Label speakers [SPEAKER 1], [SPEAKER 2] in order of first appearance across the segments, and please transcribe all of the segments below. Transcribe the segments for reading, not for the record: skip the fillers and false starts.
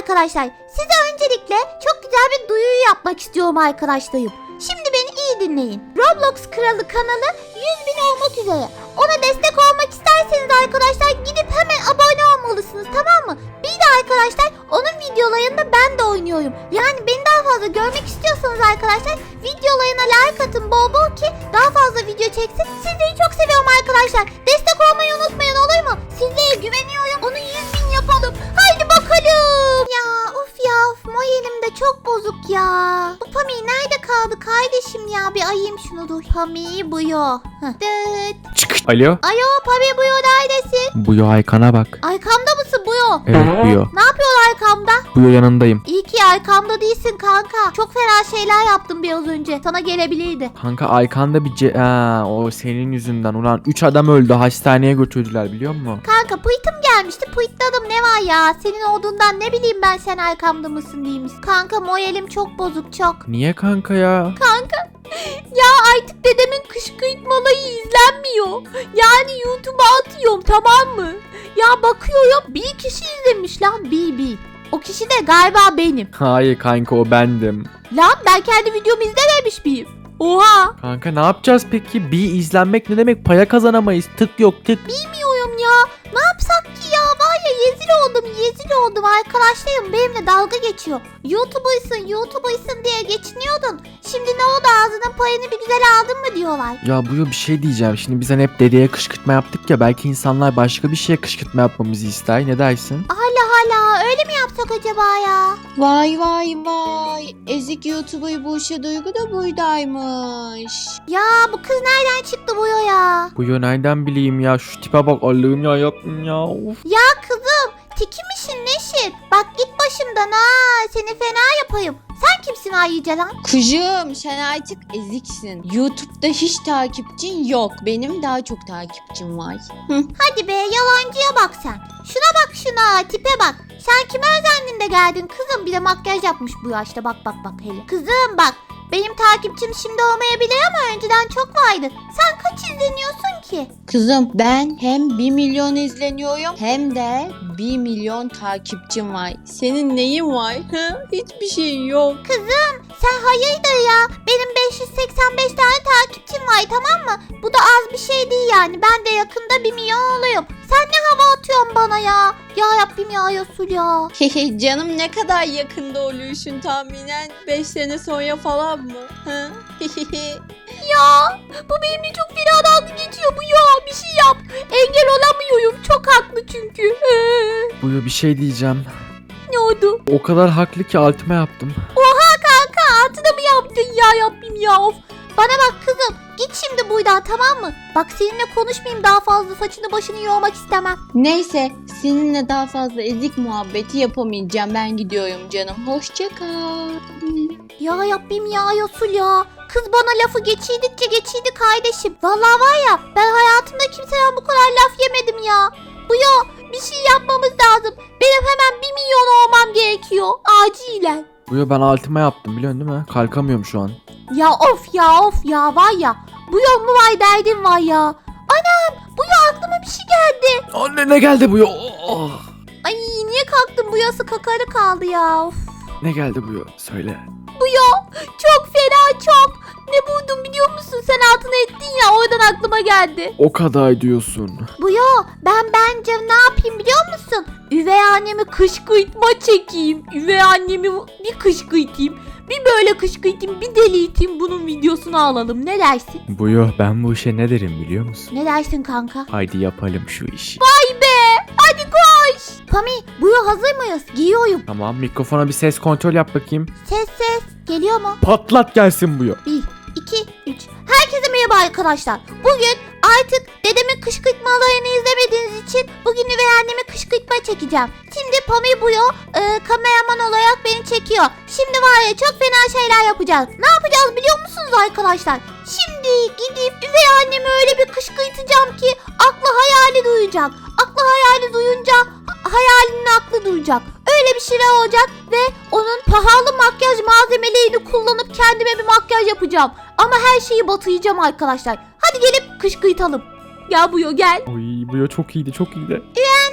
[SPEAKER 1] arkadaşlar. Size öncelikle çok güzel bir duyuru yapmak istiyorum arkadaşlarım. Şimdi beni iyi dinleyin. Roblox Kralı kanalı 100.000 olmak üzere. Ona destek olmak isterseniz arkadaşlar gidip hemen abone olmalısınız, tamam mı? Bir de arkadaşlar onun videolarında ben de oynuyorum. Yani beni daha fazla görmek istiyorsanız arkadaşlar videolarına like atın bol bol ki daha fazla video çeksin. Sizleri çok seviyorum arkadaşlar. Destek olmayı unutmayın, olur mu? Sizlere güveniyorum. Onu 100.000 yapalım. Haydi bakalım. Of moralim de çok bozuk ya. Bu Pami nerede kaldı kardeşim ya? Bir ayayım şunu, dur. Pami buyo.
[SPEAKER 2] Alo.
[SPEAKER 1] Alo Pami buyo, neredesin?
[SPEAKER 2] Buyo Aykan'a bak.
[SPEAKER 1] Arkamda mısın buyo?
[SPEAKER 2] Evet Buyo.
[SPEAKER 1] Ne yapıyorsun arkamda?
[SPEAKER 2] Buyo yanındayım.
[SPEAKER 1] İyi ki arkamda değilsin kanka. Çok fena şeyler yaptım biraz önce. Sana gelebilirdi.
[SPEAKER 2] Kanka Aykan'da bir o senin yüzünden. Ulan 3 adam öldü, hastaneye götürdüler biliyor musun?
[SPEAKER 1] Kanka pıytım gelmişti. Pıytladım, ne var ya? Senin olduğundan ne bileyim ben sen arkamda mısın değil misin? Kanka moralim çok bozuk, çok.
[SPEAKER 2] Niye kanka ya?
[SPEAKER 1] Kanka ya artık dedemin kışkırtmaları izlenmiyor. Yani YouTube'a atıyorum, tamam mı? Ya bakıyorum bir kişi izlemiş lan, bir. O kişi de galiba benim.
[SPEAKER 2] Hayır kanka, o bendim.
[SPEAKER 1] Lan ben kendi videomu izlememiş miyim? Oha.
[SPEAKER 2] Kanka ne yapacağız peki? Bir izlenmek ne demek? Paya kazanamayız. Tık yok tık.
[SPEAKER 1] Bilmiyorum ya. Ne yapsak ki ya? Var ya rezil oldum. Arkadaşlarım benimle dalga geçiyor. YouTuber'sın diye geçiniyordun. Şimdi ne oldu, ağzının payını bir güzel aldın mı diyorlar.
[SPEAKER 2] Ya Buyo bir şey diyeceğim. Şimdi biz hani hep dedeye kışkırtma yaptık ya. Belki insanlar başka bir şeye kışkırtma yapmamızı ister. Ne dersin?
[SPEAKER 1] Hala öyle mi yapsak acaba ya?
[SPEAKER 3] Vay. Ezik YouTuber Buse Duygu da buradaymış.
[SPEAKER 1] Ya bu kız nereden çıktı bu ya?
[SPEAKER 2] Buyo nereden bileyim ya? Şu tipe bak, Allah'ım ya, yaptım ya. Of.
[SPEAKER 1] Ya kızım tiki misin neşin? Bak git başımdan ha, seni fena yapayım. Sen kimsin ayrıca lan?
[SPEAKER 3] Kızım sen artık eziksin. YouTube'da hiç takipçin yok. Benim daha çok takipçim var.
[SPEAKER 1] Hadi be, yalancıya bak sen. Şuna tipe bak. Sen kime özendin de geldin kızım? Bir de makyaj yapmış bu yaşta, bak hele. Kızım bak, benim takipçim şimdi olmayabilir ama önceden çok vardı. Sen kaç izleniyorsun ki?
[SPEAKER 3] Kızım ben hem 1 milyon izleniyorum hem de 1 milyon takipçim var. Senin neyin var? Hiçbir şeyin yok.
[SPEAKER 1] Kızım sen hayırdır ya? Benim 585 tane takipçim var, tamam mı? Bu da az bir şey değil yani. Ben de yakında 1 milyon oluyorum. Sen ne hava atıyorsun bana ya? Ya Rabbim ya Resul ya.
[SPEAKER 3] Canım ne kadar yakında oluyorsun tahminen? 5 sene sonra falan mı?
[SPEAKER 1] Ya bu benimle çok fena dalga geçiyor bu ya. Bir şey yap. Engel olamıyorum. Çok haklı çünkü.
[SPEAKER 2] Buyo bir şey diyeceğim.
[SPEAKER 1] Ne oldu?
[SPEAKER 2] O kadar haklı ki altıma yaptım.
[SPEAKER 1] Oha kanka, altına mı yaptın ya Rabbim ya, of. Bana bak kızım, git şimdi buradan, tamam mı? Bak seninle konuşmayayım daha fazla, saçını başını yormak istemem.
[SPEAKER 3] Neyse seninle daha fazla ezik muhabbeti yapamayacağım. Ben gidiyorum canım. Hoşça kal.
[SPEAKER 1] Ya Rabbim ya Resul ya. Kız bana lafı geçirdi kardeşim. Vallahi var ya, ben hayatımda kimseden bu kadar laf yemedim ya. Bu ya, bir şey yapmamız lazım. Benim hemen 1 milyon olmam gerekiyor. Acilen.
[SPEAKER 2] Buyo ben altıma yaptım, biliyorsun değil mi? Kalkamıyorum şu an.
[SPEAKER 1] Ya of ya var ya. Bu yol mu var derdim var ya. Anam, bu ya aklıma bir şey geldi.
[SPEAKER 2] Anne ne geldi Buyo? Oh.
[SPEAKER 1] Ay niye kalktım, bu yası kakarı kaldı ya. Of.
[SPEAKER 2] Ne geldi Buyo? Söyle.
[SPEAKER 1] Bu ya çok fena çok. Ne buldum biliyor musun? Sen altına ettin ya, oradan aklıma geldi.
[SPEAKER 2] O kadar diyorsun.
[SPEAKER 1] Bu ya bence ne yapayım biliyor musun? Üvey annemi kışkırtma çekeyim. Üvey annemi bir kışkırtayım. Bir böyle kışkırtayım, bir deliyteyim, bunun videosunu alalım. Ne dersin?
[SPEAKER 2] Buyo ben bu işe ne derim biliyor musun?
[SPEAKER 1] Ne dersin kanka?
[SPEAKER 2] Haydi yapalım şu işi.
[SPEAKER 1] Vay be! Hadi koş! Pami, bu yıl hazır mıyız? Giyiyorum.
[SPEAKER 2] Tamam, mikrofona bir ses kontrol yap bakayım.
[SPEAKER 1] Ses. Geliyor mu?
[SPEAKER 2] Patlat gelsin Buyo.
[SPEAKER 1] 1, 2, 3. Herkese merhaba arkadaşlar. Bugün artık dedemin kışkırtmalarını izlemediğiniz için bugün üvey annemi kışkırtma çekeceğim. Şimdi Pami Buyo kameraman olarak beni çekiyor. Şimdi var ya, çok fena şeyler yapacağız. Ne yapacağız biliyor musunuz arkadaşlar? Şimdi gidip üvey annemi öyle bir kışkırtacağım ki aklı hayali duyacak. Aklı hayali duyunca hayalinin aklı duyacak. Öyle bir şeyler olacak ve onun pahalı makyaj malzemelerini kullanıp kendime bir makyaj yapacağım. Ama her şeyi batıracağım arkadaşlar. Hadi gelip kışkırtalım. Ya Buyo gel.
[SPEAKER 2] Oy Buyo çok iyiydi, çok iyiydi.
[SPEAKER 1] Anneme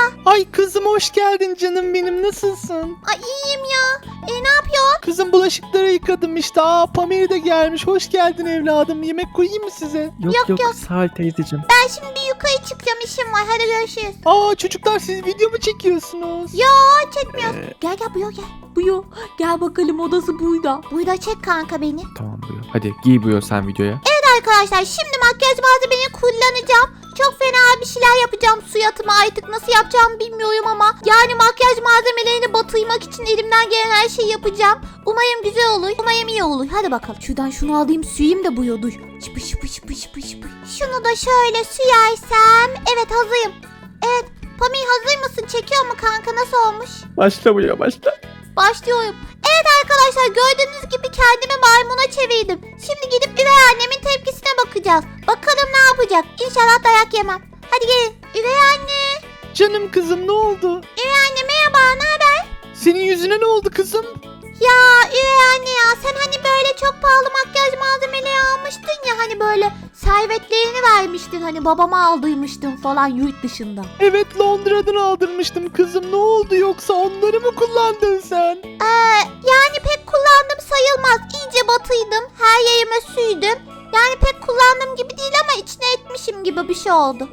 [SPEAKER 4] Ay kızım hoş geldin canım benim, nasılsın?
[SPEAKER 1] Ay iyiyim ya. Ne yapıyorsun?
[SPEAKER 4] Kızım bulaşıkları yıkadım işte. Pamir de gelmiş. Hoş geldin evladım. Yemek koyayım mı size?
[SPEAKER 2] Yok
[SPEAKER 1] Yok.
[SPEAKER 2] sağ ol teyzeciğim.
[SPEAKER 1] Ben şimdi bir yukarı çıkacağım, işim var. Hadi görüşürüz.
[SPEAKER 4] Çocuklar siz video mu çekiyorsunuz?
[SPEAKER 1] Çekmiyoruz. Gel Buyo gel.
[SPEAKER 3] Buyo gel bakalım, odası burada.
[SPEAKER 1] Burada çek kanka beni.
[SPEAKER 2] Tamam buyur. Hadi giy buyur sen videoya.
[SPEAKER 1] Arkadaşlar şimdi makyaj malzemeni kullanacağım. Çok fena bir şeyler yapacağım suyatıma, artık nasıl yapacağımı bilmiyorum ama yani makyaj malzemelerini batırmak için elimden gelen her şeyi yapacağım. Umarım güzel olur. Umarım iyi olur. Hadi bakalım. Şuradan şunu alayım, suyayım da Buyo dur. Şıpı şıpı şıpı şıpı şıpı. Şunu da şöyle süyersem. Evet hazırım. Evet. Pamir hazır mısın? Çekiyor mu kanka? Nasıl olmuş?
[SPEAKER 2] Başla buyur başla.
[SPEAKER 1] Başlıyorum. Evet arkadaşlar gördüğünüz gibi kendimi maymuna çevirdim. Şimdi gidip üvey annemin tepkisine bakacağız. Bakalım ne yapacak. İnşallah dayak yemem. Hadi gelin. Üvey anne.
[SPEAKER 4] Canım kızım ne oldu?
[SPEAKER 1] Üvey anne merhaba, ne haber?
[SPEAKER 4] Senin yüzüne ne oldu kızım?
[SPEAKER 1] Ya üvey anne ya, sen hani böyle çok pahalı makyaj malzemeleri almıştın ya, hani böyle servetlerini vermiştin, hani babama aldırmıştın falan yurt dışında.
[SPEAKER 4] Evet, Londra'dan aldırmıştım kızım. Ne oldu, yoksa onları mı kullandın sen?
[SPEAKER 1] Yani pek kullandım sayılmaz. İyice batıydım. Her yerime sürdüm. Yani pek kullandığım gibi değil ama içine etmişim gibi bir şey oldu.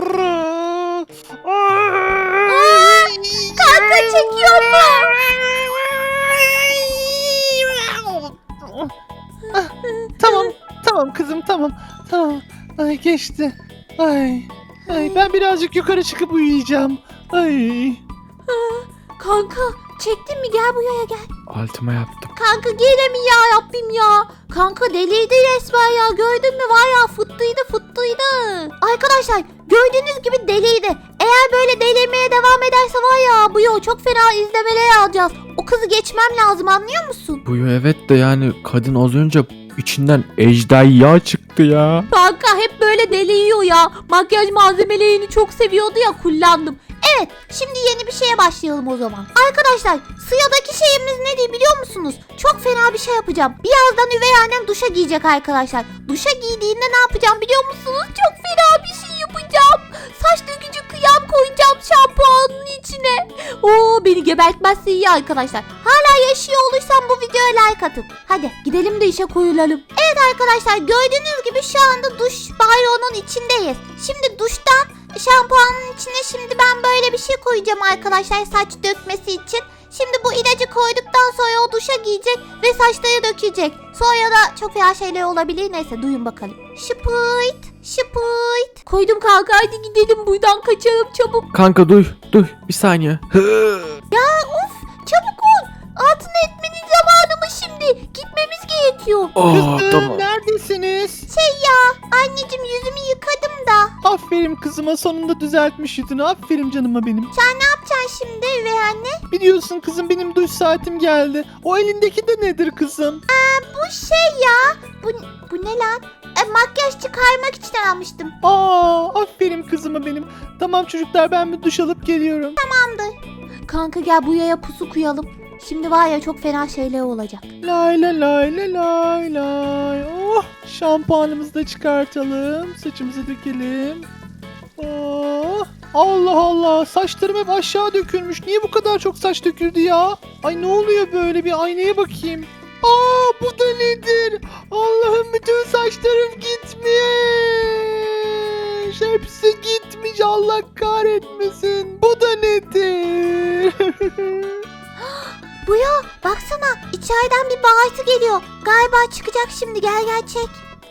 [SPEAKER 1] Kanka çekiyor mu?
[SPEAKER 4] Tamam kızım, tamam. Ay geçti. Ay ben birazcık yukarı çıkıp uyuyacağım. Ay.
[SPEAKER 1] Kanka çektin mi? Gel buraya gel.
[SPEAKER 2] Altıma yaptım.
[SPEAKER 1] Kanka gene mi ya Rabbim ya? Kanka deliydi resmen ya. Gördün mü, var ya fıttıydı. Arkadaşlar gördüğünüz gibi deliydi. Eğer böyle delirmeye devam ederse var ya, bu yol çok fena izlemeler alacağız. O kızı geçmem lazım, anlıyor musun?
[SPEAKER 2] Buyur evet de yani kadın az önce içinden ejderha çıktı ya.
[SPEAKER 1] Kanka hep böyle deli yiyor ya. Makyaj malzemelerini çok seviyordu ya, kullandım. Evet, şimdi yeni bir şeye başlayalım o zaman. Arkadaşlar sıradaki şeyimiz ne diye biliyor musunuz? Çok fena bir şey yapacağım. Birazdan üvey annem duşa giyecek arkadaşlar. Duşa giydiğinde ne yapacağım biliyor musunuz? Çok fena bir şey yapacağım. Saç dökücü kıyam koyacağım şampuanın içine. Oo, beni gebertmezse iyi arkadaşlar. Hala yaşıyor olursam bu videoya like atın. Hadi gidelim de işe koyulalım. Evet arkadaşlar gördüğünüz gibi şu anda duş banyonun içindeyiz. Şimdi duştan şampuanın içine şimdi ben böyle bir şey koyacağım arkadaşlar, saç dökmesi için. Şimdi bu ilacı koyduktan sonra o duşa giyecek ve saçları dökecek. Sonra da çok fena şeyler olabilir. Neyse duyun bakalım. Şıpırt. Koydum kanka, hadi gidelim buradan, kaçalım çabuk.
[SPEAKER 2] Kanka duy bir saniye.
[SPEAKER 1] Çabuk ol. Altına etmenin zamanı mı şimdi? Gitmemiz gerekiyor.
[SPEAKER 4] Kızım
[SPEAKER 2] Tamam.
[SPEAKER 4] neredesiniz?
[SPEAKER 1] Anneciğim yüzümü yıkadım da.
[SPEAKER 4] Aferin kızıma, sonunda düzeltmiş yüzünü. Aferin canıma benim.
[SPEAKER 1] Ne yapacaksın şimdi üvey anne?
[SPEAKER 4] Biliyorsun kızım, benim duş saatim geldi. O elindeki de nedir kızım?
[SPEAKER 1] Bu şey ya. Bu ne lan? Makyaj çıkarmak için almıştım.
[SPEAKER 4] Aferin kızıma benim. Tamam çocuklar, ben bir duş alıp geliyorum.
[SPEAKER 1] Kanka gel bu yaya pusu koyalım. Şimdi var ya çok fena şeyler olacak.
[SPEAKER 4] Lay lay lay lay lay lay. Oh, şampuanımızı da çıkartalım. Saçımızı dökelim. Oh, Allah Allah, saçlarım hep aşağı dökülmüş. Niye bu kadar çok saç döküldü ya? Ay ne oluyor böyle, bir aynaya bakayım. Bu da nedir? Allah'ım, bütün saçlarım gitmiş. Hepsi gitmiş, Allah kahretmesin. Bu da nedir?
[SPEAKER 1] Bu ya baksana, içeriden bir bağırtı geliyor. Galiba çıkacak şimdi, gel çek.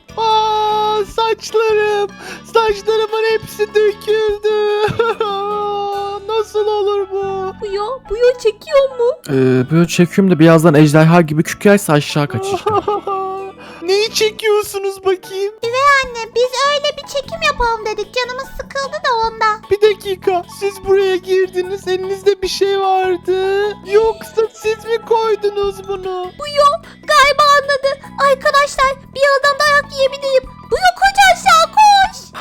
[SPEAKER 4] Saçlarımın hepsi döküldü. Nasıl olur bu?
[SPEAKER 1] Bu ya çekiyor mu?
[SPEAKER 2] Böyle çekiyorum da birazdan ejderha gibi kükrerse aşağı kaçacağım.
[SPEAKER 4] Neyi çekiyorsunuz bakayım?
[SPEAKER 1] Anne biz öyle bir çekim yapalım dedik, canımız sıkıldı da ondan.
[SPEAKER 4] Bir dakika, siz buraya girdiniz, elinizde bir şey vardı. Yoksa siz mi koydunuz bunu?
[SPEAKER 1] Galiba anladı. Arkadaşlar birazdan dayak yiyebileyim. Bu ya koş aşağı koş.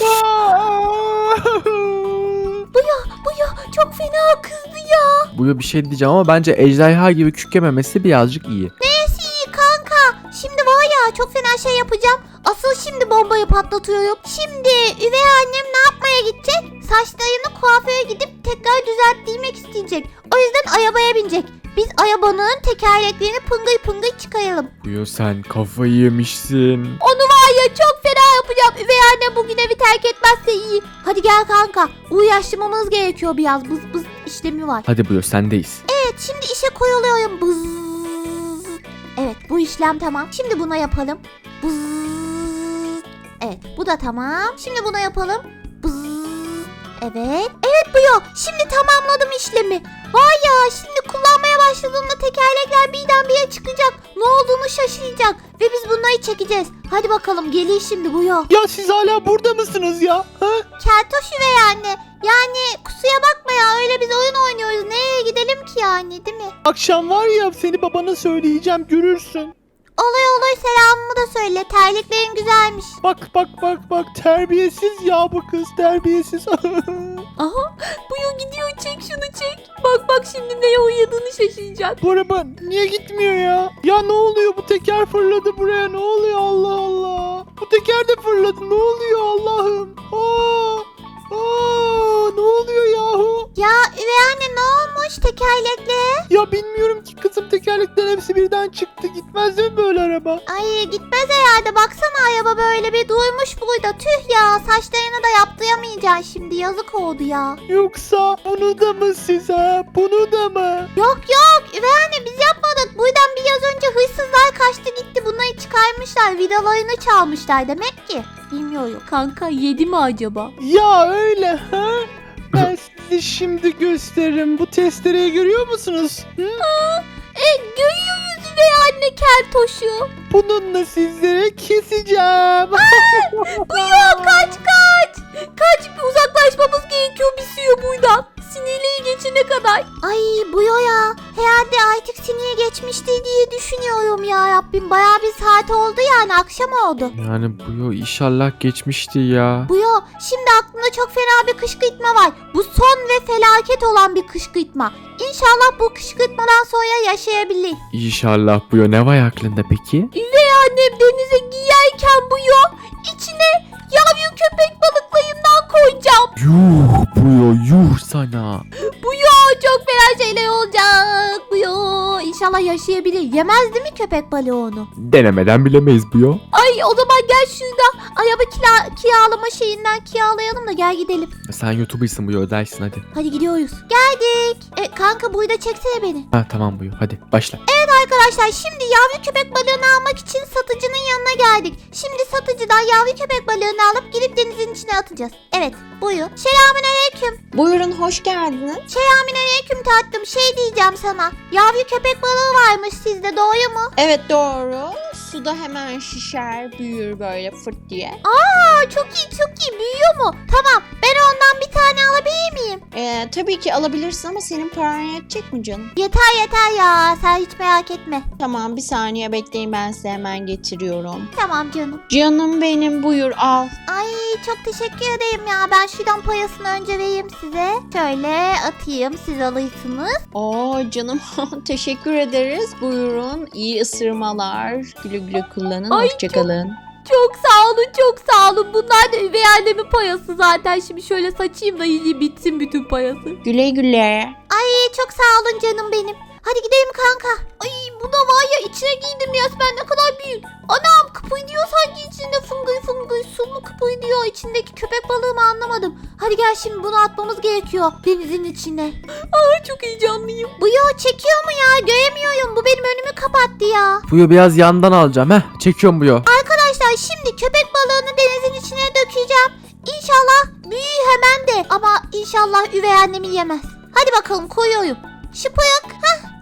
[SPEAKER 1] Bu ya çok fena kızdı ya.
[SPEAKER 2] Buyur bir şey diyeceğim ama bence ejderha gibi kükrememesi birazcık iyi.
[SPEAKER 1] Neyse iyi kanka. Şimdi var ya ya çok fena şey yapacağım. Asıl şimdi bombayı patlatıyorum. Şimdi üvey annem ne yapmaya gidecek? Saçlarını kuaföre gidip tekrar düzelttirmek isteyecek. O yüzden arabaya binecek. Biz arabanın tekerleklerini pıngıy pıngıy çıkaralım.
[SPEAKER 2] Buyo sen kafayı yemişsin.
[SPEAKER 1] Onu var ya çok fena yapacağım. Üvey annem bugün evi terk etmezse iyi. Hadi gel kanka. Uğraştırmamız gerekiyor biraz. Bız bız işlemi var.
[SPEAKER 2] Hadi Buyo sendeyiz.
[SPEAKER 1] Evet şimdi işe koyuluyorum. Bız. Evet bu işlem tamam. Şimdi buna yapalım. Bız. Evet bu da tamam. Şimdi buna yapalım. Bız. Evet. Evet bu yok. Şimdi tamamladım işlemi. Vay ya şimdi kullanmaya başladığımda tekerlekler birdenbire çıkacak. Ne olduğunu şaşıracak. Ve biz bunları çekeceğiz. Hadi bakalım geliyor şimdi bu yok.
[SPEAKER 4] Ya siz hala burada mısınız ya? Ha?
[SPEAKER 1] Keltoş üvey anne. Yani kusura bakma ya öyle biz oyun oynuyoruz. Nereye gidelim ki yani değil mi?
[SPEAKER 4] Akşam var ya seni babana söyleyeceğim görürsün.
[SPEAKER 1] Olur selamımı da söyle. Terliklerin güzelmiş.
[SPEAKER 4] Bak terbiyesiz ya bu kız terbiyesiz.
[SPEAKER 3] Aha Buyo gidiyor, çek şunu çek. Bak şimdi neye uyadığını şaşıracak.
[SPEAKER 4] Bu araba niye gitmiyor ya? Ya ne oluyor bu teker fırladı buraya ne oluyor Allah Allah. Bu teker de fırladı ne oluyor Allah'ım. Ne oluyor yahu?
[SPEAKER 1] Ya üvey anne ne olmuş tekerlekle?
[SPEAKER 4] Ya bilmiyorum ki kızım tekerleklerin hepsi birden çıktı. Gitmez mi böyle araba?
[SPEAKER 1] Ay gitmez herhalde. Baksana araba böyle bir durmuş burada. Tüh ya saçlarını da yaptıramayacaksın şimdi. Yazık oldu ya.
[SPEAKER 4] Yoksa bunu da mı size? Bunu da mı?
[SPEAKER 1] Yok üvey anne biz yapmadık. Buradan biraz önce hırsızlar kaçtı gitti. Bunları çıkarmışlar. Vidalarını çalmışlar demek ki. Bilmiyorum.
[SPEAKER 3] Kanka yedi mi acaba?
[SPEAKER 4] Ya öyle ha? Ben size şimdi gösteririm. Bu testereyi görüyor musunuz? Hı?
[SPEAKER 3] Görüyoruz üvey anne keltoşu.
[SPEAKER 4] Bununla sizlere keseceğim.
[SPEAKER 1] Buyo kaç. Kaç uzaklaşmamız gerekiyor bir suyu buradan.
[SPEAKER 3] Sinirliği geçene kadar.
[SPEAKER 1] Ay Buyo ya. Herhalde artık sinir geçmişti diye düşünüyorum ya Rabbim. Bayağı bir saat oldu yani akşam oldu.
[SPEAKER 2] Yani Buyo inşallah geçmişti ya.
[SPEAKER 1] Buyo şimdi aklımda çok fena bir kışkırtma var. Bu son ve felaket olan bir kışkırtma. İnşallah bu kışkırtmadan sonra yaşayabilir.
[SPEAKER 2] İnşallah Buyo, ne var aklında peki?
[SPEAKER 3] Annem denize giyerken Buyo içine yavru köpek balıklarından koyacağım.
[SPEAKER 2] Yuh Buyo yuh sana.
[SPEAKER 1] Çok fena şeyler olacak. Buyo İnşallah yaşayabilir. Yemez değil mi köpek balığı onu?
[SPEAKER 2] Denemeden bilemeyiz Buyo.
[SPEAKER 1] Ay o zaman gel şurada araba kiralama şeyinden kiralayalım da gel gidelim.
[SPEAKER 2] Sen YouTuber'sın Buyo, ödersin hadi.
[SPEAKER 1] Hadi gidiyoruz. Geldik. Kanka burada çeksene beni.
[SPEAKER 2] Ha tamam Buyo, hadi başla.
[SPEAKER 1] Arkadaşlar şimdi yavru köpek balığını almak için satıcının yanına geldik. Şimdi satıcıdan yavru köpek balığını alıp gidip denizin içine atacağız. Evet buyur. Selamünaleyküm.
[SPEAKER 3] Buyurun hoş geldiniz.
[SPEAKER 1] Selamünaleyküm tatlım. Şey diyeceğim sana. Yavru köpek balığı varmış sizde doğru mu?
[SPEAKER 3] Evet doğru. Suda hemen şişer, büyür böyle fırt diye.
[SPEAKER 1] Çok iyi büyüyor mu? Tamam ben ondan bir tane alabilir miyim?
[SPEAKER 3] Tabii ki alabilirsin ama senin paran yetecek mi canım?
[SPEAKER 1] Yeter ya sen hiç merak etme.
[SPEAKER 3] Tamam bir saniye bekleyin, ben size hemen getiriyorum.
[SPEAKER 1] Tamam canım.
[SPEAKER 3] Canım benim, buyur al.
[SPEAKER 1] Ay çok teşekkür ederim ya. Ben şuradan payasını önce vereyim size. Şöyle atayım siz alırsınız.
[SPEAKER 3] Oo canım teşekkür ederiz. Buyurun, iyi ısırmalar. Güle güle kullanın.
[SPEAKER 1] Ay,
[SPEAKER 3] Hoşçakalın.
[SPEAKER 1] Çok sağ olun. Bunlar da üvey annemin payası zaten. Şimdi şöyle saçayım da iyice bitsin bütün payası.
[SPEAKER 3] Güle güle.
[SPEAKER 1] Ay çok sağ olun canım benim. Hadi gidelim kanka. Ay bu da var ya içine giydim resmen ne kadar büyük. Anam kıpırdıyor sanki içinde fıngıy su mu kıpırdıyor. İçindeki köpek balığı mı anlamadım. Hadi gel şimdi bunu atmamız gerekiyor denizin içine. Ay çok heyecanlıyım. Bu yo çekiyor mu ya göremiyorum. Bu benim önümü kapattı ya.
[SPEAKER 2] Buyo biraz yandan alacağım çekiyorum Buyo.
[SPEAKER 1] Arkadaşlar şimdi köpek balığını denizin içine dökeceğim. İnşallah büyür hemen de ama inşallah üvey annemi yemez. Hadi bakalım koyuyorum. Şıpık.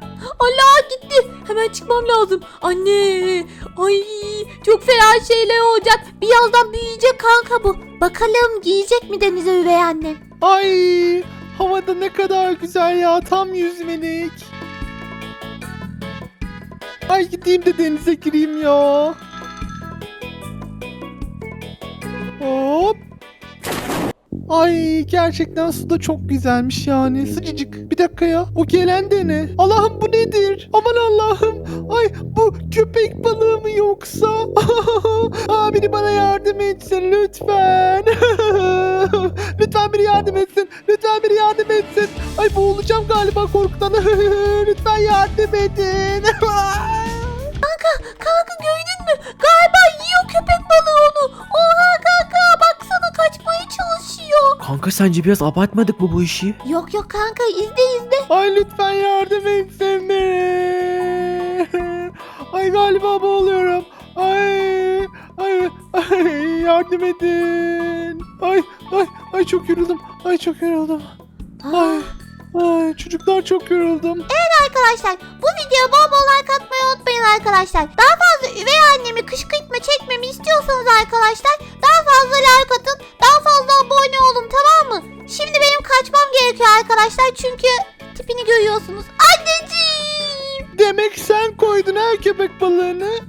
[SPEAKER 3] Allah gitti. Hemen çıkmam lazım. Anne. Ay çok fena şeyler olacak.
[SPEAKER 1] Birazdan büyüyecek kanka bu. Bakalım giyecek mi denize üvey annem?
[SPEAKER 4] Ay havada ne kadar güzel ya tam yüzmelik. Ay gideyim de denize gireyim ya. Hop. Ay gerçekten su da çok güzelmiş yani. Sıcacık. Bir dakika ya. O gelen de ne? Allah'ım bu nedir? Aman Allah'ım. Ay bu köpek balığı mı yoksa? Aa, biri bana yardım etsin lütfen. Lütfen biri yardım etsin. Lütfen biri yardım etsin. Ay boğulacağım galiba korkudan. Lütfen yardım edin.
[SPEAKER 1] Kanka gördün mü? Galiba yiyor köpek balığı onu. Oha kanka baksana kaçmaya çalışıyor.
[SPEAKER 2] Kanka sence biraz abartmadık mı bu işi?
[SPEAKER 1] Yok kanka izle.
[SPEAKER 4] Ay lütfen yardım etsin biri. Ay galiba boğuluyorum. Ay yardım edin. Ay çok yoruldum. Çok yoruldum. Ay çocuklar çok yoruldum.
[SPEAKER 1] Arkadaşlar bu videoya bol bol like atmayı unutmayın arkadaşlar. Daha fazla üvey annemi kışkırtma çekmemi istiyorsanız arkadaşlar daha fazla like atın. Daha fazla abone olun tamam mı? Şimdi benim kaçmam gerekiyor arkadaşlar çünkü tipini görüyorsunuz. Anneciğim.
[SPEAKER 4] Demek sen koydun ha köpek balığını.